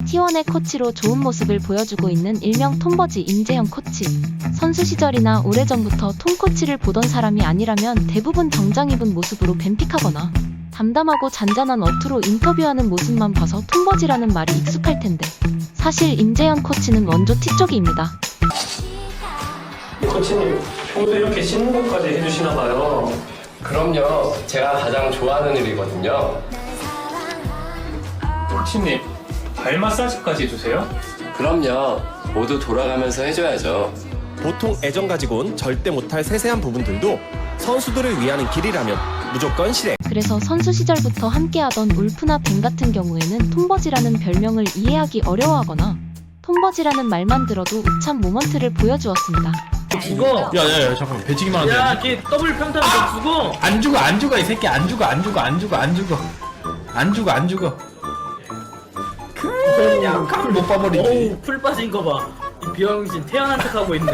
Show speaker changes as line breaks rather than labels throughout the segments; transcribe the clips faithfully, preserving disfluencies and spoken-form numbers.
티원의 코치로 좋은 모습을 보여주고 있는 일명 톰버지 임재현 코치. 선수 시절이나 오래전부터 톰 코치를 보던 사람이 아니라면 대부분 정장 입은 모습으로 뱀픽하거나 담담하고 잔잔한 어투로 인터뷰하는 모습만 봐서 톰버지라는 말이 익숙할 텐데 사실 임재현 코치는 원조 T쪽이입니다.
코치님, 평소에 이렇게 씻는 것까지 해주시나 봐요.
그럼요. 제가 가장 좋아하는 일이거든요.
코치님, 발 마사지까지 해주세요?
그럼요. 모두 돌아가면서 해줘야죠.
보통 애정 가지고는 절대 못할 세세한 부분들도 선수들을 위하는 길이라면 무조건 실행.
그래서 선수 시절부터 함께하던 울프나 벤 같은 경우에는 톰버지라는 별명을 이해하기 어려워하거나 톰버지라는 말만 들어도 우참 모먼트를 보여주었습니다.
죽어.
야야야 잠깐만 배치기만 하면
야, 걔 더블 평타는 너 죽어.
안 죽어 안 죽어 이 새끼 안 죽어 안 죽어 안 죽어 안 죽어 안 죽어 안 죽어 그냥 칼을 못 봐버리지.
어우, 풀 빠진 거 봐. 이 비영신 태어난 척하고 있네.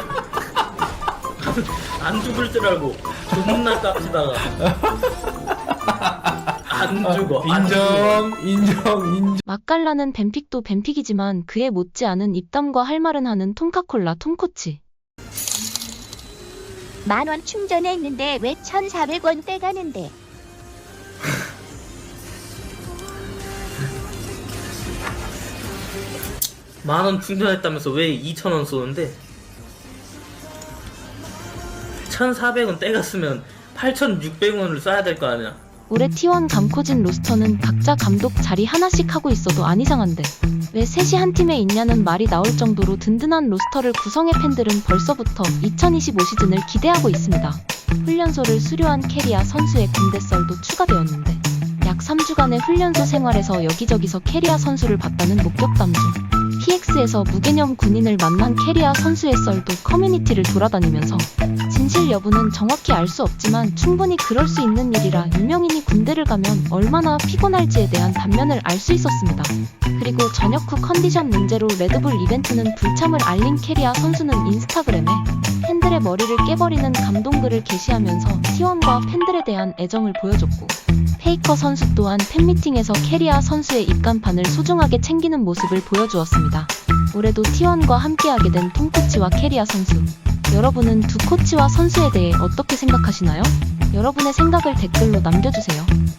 안 죽을 줄 알고 존나 깝치다가 안 죽어. 안 죽어.
인정 인정 인정.
맛깔나는 뱀픽도 뱀픽이지만 그에 못지않은 입담과 할 말은 하는 톰카콜라 톰코치.
만원 충전했는데 왜 천사백 원 떼가는데?
만원 충전했다면서 왜 이천 원 쏘는데? 천사백 원 떼갔으면 팔천육백 원을 써야 될 거 아니야.
올해 티원 감코진 로스터는 각자 감독 자리 하나씩 하고 있어도 안 이상한데 왜 셋이 한 팀에 있냐는 말이 나올 정도로 든든한 로스터를 구성해 팬들은 벌써부터 이천이십오 시즌을 기대하고 있습니다. 훈련소를 수료한 캐리아 선수의 군대 썰도 추가되었는데 약 삼 주간의 훈련소 생활에서 여기저기서 캐리아 선수를 봤다는 목격담 중 피엑스에서 무개념 군인을 만난 캐리아 선수의 썰도 커뮤니티를 돌아다니면서 진실 여부는 정확히 알 수 없지만 충분히 그럴 수 있는 일이라 유명인이 군대를 가면 얼마나 피곤할지에 대한 단면을 알 수 있었습니다. 그리고 저녁 후 컨디션 문제로 레드불 이벤트는 불참을 알린 캐리아 선수는 인스타그램에 팬들의 머리를 깨버리는 감동글을 게시하면서 티원과 팬들에 대한 애정을 보여줬고 페이커 선수 또한 팬미팅에서 캐리아 선수의 입간판을 소중하게 챙기는 모습을 보여주었습니다. 올해도 티원과 함께하게 된 톰코치와 캐리아 선수. 여러분은 두 코치와 선수에 대해 어떻게 생각하시나요? 여러분의 생각을 댓글로 남겨주세요.